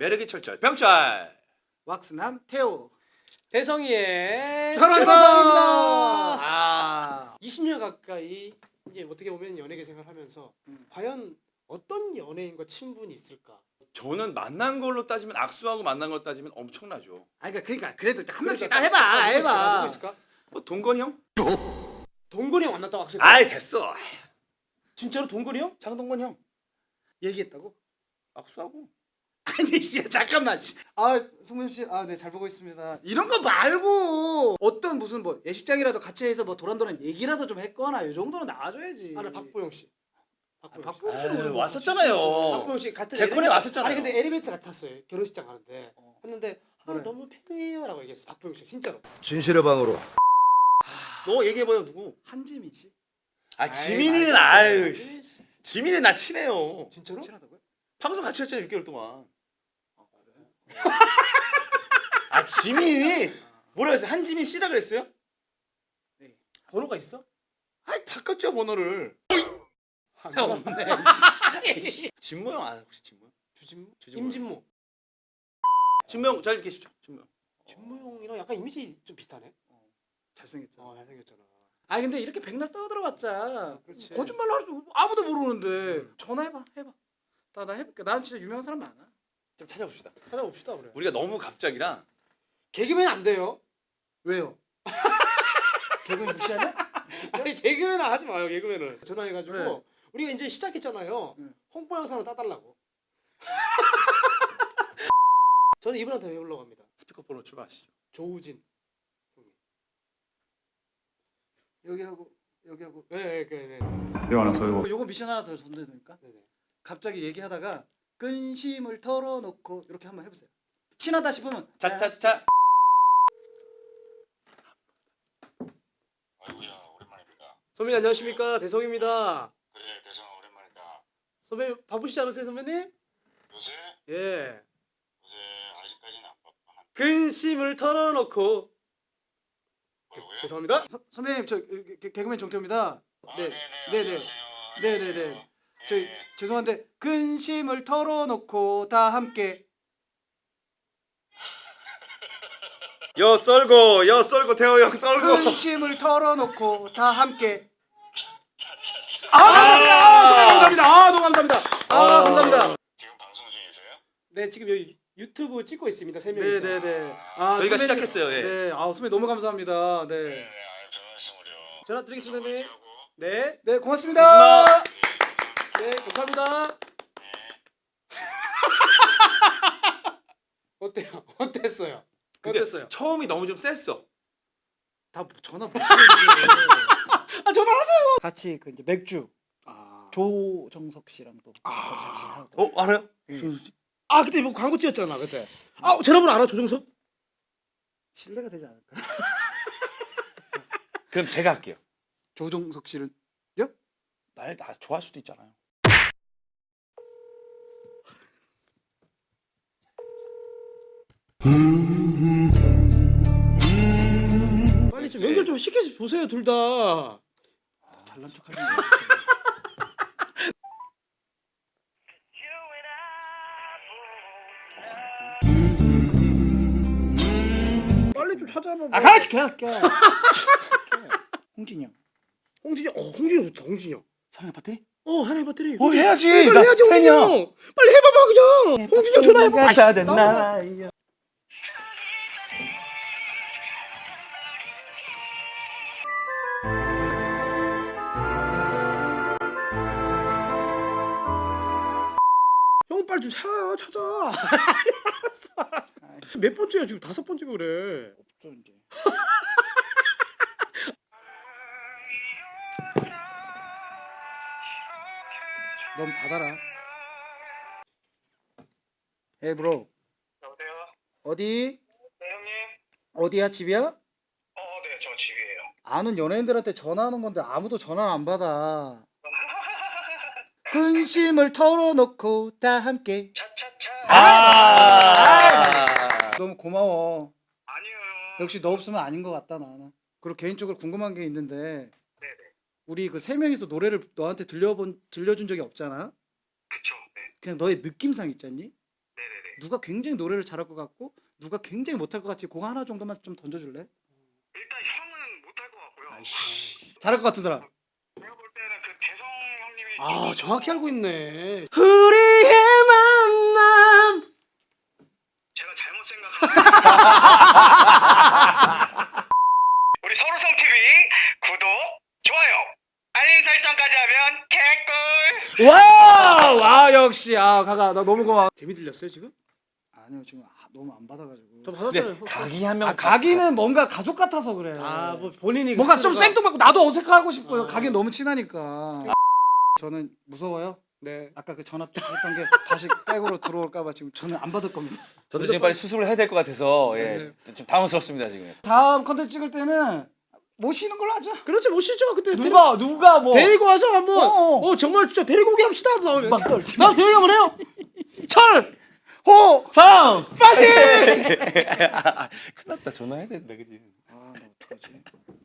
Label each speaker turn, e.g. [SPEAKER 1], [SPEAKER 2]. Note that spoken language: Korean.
[SPEAKER 1] 매력이 철철 병철.
[SPEAKER 2] 왁스남 태호
[SPEAKER 3] 대성이의
[SPEAKER 2] 철화성입니다.
[SPEAKER 3] 아, 20년 가까이 이제 어떻게 보면 연예계 생활하면서 과연 어떤 연예인과 친분이 있을까?
[SPEAKER 1] 저는 만난 걸로 따지면 악수하고 만난 걸로 따지면 엄청나죠.
[SPEAKER 2] 그러니까 그래도 한 명씩
[SPEAKER 3] 그러니까
[SPEAKER 2] 다 해봐.
[SPEAKER 3] 누구 있을까?
[SPEAKER 1] 뭐 동건이 형?
[SPEAKER 3] 동건이 형 만났다고 확실히?
[SPEAKER 1] 아이 됐어.
[SPEAKER 3] 진짜로 동건이 형?
[SPEAKER 1] 장동건 형
[SPEAKER 2] 얘기했다고?
[SPEAKER 1] 악수하고.
[SPEAKER 2] 아니 진짜 잠깐만. 송민 씨, 네 잘 보고 있습니다. 이런 거 말고 어떤 무슨 뭐 예식장이라도 같이 해서 뭐 도란도란 얘기라도 좀 했거나 이 정도는 나와줘야지.
[SPEAKER 3] 아니 박보영 씨.
[SPEAKER 2] 박보영 씨는 우리 뭐
[SPEAKER 1] 왔었잖아요.
[SPEAKER 3] 박보영 씨 같은
[SPEAKER 1] 개콘에 왔었잖아요.
[SPEAKER 3] 아니 근데 엘리베이터 탔어요. 결혼식장 가는데 했는데
[SPEAKER 2] 그래.
[SPEAKER 3] 너무 팬이에요라고 얘기했어. 박보영 씨 진짜로.
[SPEAKER 4] 진실의 방으로.
[SPEAKER 1] 너 얘기해봐요 누구?
[SPEAKER 2] 한지민 씨?
[SPEAKER 1] 지민이는
[SPEAKER 3] 아유,
[SPEAKER 1] 아유. 지민이 나 친해요.
[SPEAKER 3] 진짜로?
[SPEAKER 2] 친하다고요?
[SPEAKER 1] 방송 같이 했잖아요 6개월 동안.
[SPEAKER 2] 그래?
[SPEAKER 1] 지민이 뭐라 그랬어요? 한지민 씨라 그랬어요?
[SPEAKER 3] 번호가 있어?
[SPEAKER 1] 바꿨죠 번호를.
[SPEAKER 3] 없네.
[SPEAKER 1] 진모 형 아는 혹시 진모 형?
[SPEAKER 3] 주진모?
[SPEAKER 1] 주진모.
[SPEAKER 3] 임진모.
[SPEAKER 1] 진모 형 잘 계시죠? 진모 형.
[SPEAKER 3] 진모 형이랑 약간 이미지 좀 비슷하네.
[SPEAKER 2] 잘생겼잖아.
[SPEAKER 3] 잘생겼잖아.
[SPEAKER 2] 근데 이렇게 백날 떠들어봤자
[SPEAKER 3] 그렇지.
[SPEAKER 2] 거짓말로 할 수 아무도 모르는데 전화해봐. 나 해볼게. 난 진짜 유명한 사람 많아.
[SPEAKER 1] 좀 찾아봅시다.
[SPEAKER 3] 찾아봅시다 그래.
[SPEAKER 1] 우리가 너무 갑작이라.
[SPEAKER 3] 개그맨 안 돼요.
[SPEAKER 2] 왜요? 개그맨 무시하냐?
[SPEAKER 3] 아니 개그맨은 하지 마요. 개그맨을 전화해가지고
[SPEAKER 2] 네.
[SPEAKER 3] 우리가 이제 시작했잖아요.
[SPEAKER 2] 네.
[SPEAKER 3] 홍보 영상을 따달라고. 저는 이분한테 해보려고 합니다.
[SPEAKER 1] 스피커폰으로 출발하시죠.
[SPEAKER 3] 조우진.
[SPEAKER 2] 여기하고
[SPEAKER 3] 네.
[SPEAKER 2] 요거 미션 하나 더 전달해드릴까?
[SPEAKER 3] 네네.
[SPEAKER 2] 갑자기 얘기하다가 근심을 털어놓고 이렇게 한번 해보세요. 친하다 싶으면
[SPEAKER 1] 차차차.
[SPEAKER 5] 아이고야 오랜만입니다.
[SPEAKER 3] 선배님 안녕하십니까? 대성입니다.
[SPEAKER 5] 그래 대성아 오랜만이다.
[SPEAKER 3] 선배님 바쁘시지 않으세요 선배님?
[SPEAKER 5] 요새
[SPEAKER 3] 예.
[SPEAKER 5] 아직까지는 안 바빠.
[SPEAKER 3] 근심을 털어놓고.
[SPEAKER 5] 뭐라고요?
[SPEAKER 3] 죄송합니다.
[SPEAKER 2] 선배님 저 개그맨 정태호입니다. 네.
[SPEAKER 5] 네네.
[SPEAKER 2] 네네네. 저 죄송한데 근심을 털어놓고 다 함께
[SPEAKER 1] 여 썰고 태호 형 썰고.
[SPEAKER 2] 근심을 털어놓고 다 함께 감사합니다. 너무 감사합니다. 감사합니다.
[SPEAKER 5] 지금 방송 중이세요?
[SPEAKER 3] 네 지금 여기 유튜브 찍고 있습니다. 세 명이서.
[SPEAKER 2] 네네네.
[SPEAKER 1] 저희가
[SPEAKER 2] 선배님,
[SPEAKER 1] 시작했어요. 예.
[SPEAKER 2] 네. 선배님 너무 감사합니다. 네.
[SPEAKER 5] 네네. 별 말씀을요.
[SPEAKER 3] 전화 드리겠습니다 선배님.
[SPEAKER 5] 하고.
[SPEAKER 3] 네.
[SPEAKER 2] 네 고맙습니다.
[SPEAKER 3] 네 감사합니다. 어때요? 어땠어요?
[SPEAKER 1] 근데
[SPEAKER 3] 어땠어요?
[SPEAKER 1] 처음이 너무 좀 셌어.
[SPEAKER 2] 다 전화 못 받는데.
[SPEAKER 3] 전화하세요.
[SPEAKER 2] 같이 그 이제 맥주 조정석 씨랑도 같이 하고.
[SPEAKER 1] 알아요?
[SPEAKER 3] 그때 뭐 광고 찍었잖아 그때. 전화번호 알아 조정석?
[SPEAKER 2] 신뢰가 되지 않을까?
[SPEAKER 1] 그럼 제가 할게요.
[SPEAKER 2] 조정석 씨는
[SPEAKER 1] 나 좋아할 수도 있잖아요.
[SPEAKER 3] 빨리 좀 연결 좀 시켜서 보세요 둘 다.
[SPEAKER 2] 잘난 척하는 거.
[SPEAKER 3] 빨리 좀 찾아봐.
[SPEAKER 2] 같이 갈게. 홍진이 형.
[SPEAKER 3] 홍진이 홍진이 좋다 홍진이 형.
[SPEAKER 2] 사랑의 파티?
[SPEAKER 3] 하나의 배터리.
[SPEAKER 1] 해야지.
[SPEAKER 3] 빨리 해야지 홍진이 형. 빨리 해봐봐 그냥. 홍진이 형 전화해봐.
[SPEAKER 1] 다 됐나?
[SPEAKER 3] 형 빨리 좀 찾아. 알았어. 몇 번째야 지금 5번째고 그래.
[SPEAKER 2] 없어 이제. 넌 받아라. Hey bro.
[SPEAKER 5] 여보세요?
[SPEAKER 2] 어디?
[SPEAKER 5] 네 형님?
[SPEAKER 2] 어디야 집이야?
[SPEAKER 5] 네 저 집이에요.
[SPEAKER 2] 아는 연예인들한테 전화하는 건데 아무도 전화를 안 받아. 근심을 털어놓고 다 함께.
[SPEAKER 5] 차차차.
[SPEAKER 2] 너무 고마워.
[SPEAKER 5] 아니에요.
[SPEAKER 2] 역시 너 없으면 아닌 것 같다 나는. 그리고 개인적으로 궁금한 게 있는데
[SPEAKER 5] 네네.
[SPEAKER 2] 우리 그 세 명이서 노래를 너한테 들려준 적이 없잖아.
[SPEAKER 5] 그쵸. 네.
[SPEAKER 2] 그냥 너의 느낌상 있잖니?
[SPEAKER 5] 네네네.
[SPEAKER 2] 누가 굉장히 노래를 잘할 것 같고 누가 굉장히 못할 것 같지? 그거 하나 정도만 좀 던져줄래?
[SPEAKER 5] 일단 형은 못할 것 같고요.
[SPEAKER 2] 잘할 것 같으더라.
[SPEAKER 5] 제가 볼 때는 그 대성 형님이
[SPEAKER 3] 아 정확히 알고 있네.
[SPEAKER 2] 우리의 만남.
[SPEAKER 5] 제가 잘못 생각한 우리 서로성 TV 구독, 좋아요, 알림 설정까지 하면 개꿀.
[SPEAKER 2] 와 역시 가가 나 너무 고마워.
[SPEAKER 3] 재미 들렸어요 지금?
[SPEAKER 2] 아니요 지금 너무 안 받아가지고.
[SPEAKER 3] 저 받았잖아요.
[SPEAKER 1] 근데 각이 한 명.
[SPEAKER 2] 가기는 뭔가 가족 같아서 그래.
[SPEAKER 3] 아뭐 본인이
[SPEAKER 2] 뭔가 좀
[SPEAKER 3] 스스로가-
[SPEAKER 2] 생뚱맞고 나도 어색하고 싶어요.
[SPEAKER 3] 아.
[SPEAKER 2] 가긴 너무 친하니까. 저는 무서워요.
[SPEAKER 3] 네.
[SPEAKER 2] 아까 그 전화 했던 게 다시 백으로 들어올까봐 지금 저는 안 받을 겁니다.
[SPEAKER 1] 저도 지금 빨리 수술을 해야 될 것 같아서 좀 당황스럽습니다 지금.
[SPEAKER 2] 다음 컨텐츠 찍을 때는 모시는 걸로 하죠.
[SPEAKER 3] 그렇지 모시죠 그때.
[SPEAKER 2] 누가 뭐
[SPEAKER 3] 데리고 와서 한번
[SPEAKER 2] 어.
[SPEAKER 3] 정말 진짜 데리고 오게 합시다. 나오면
[SPEAKER 2] 막 떨지
[SPEAKER 3] 다음 데리고 한번 해요.
[SPEAKER 2] 철! 호!
[SPEAKER 1] 상.
[SPEAKER 2] 파이팅!
[SPEAKER 1] 큰일 났다 전화해야 된다 그지.
[SPEAKER 2] 아, 나 어떡하지?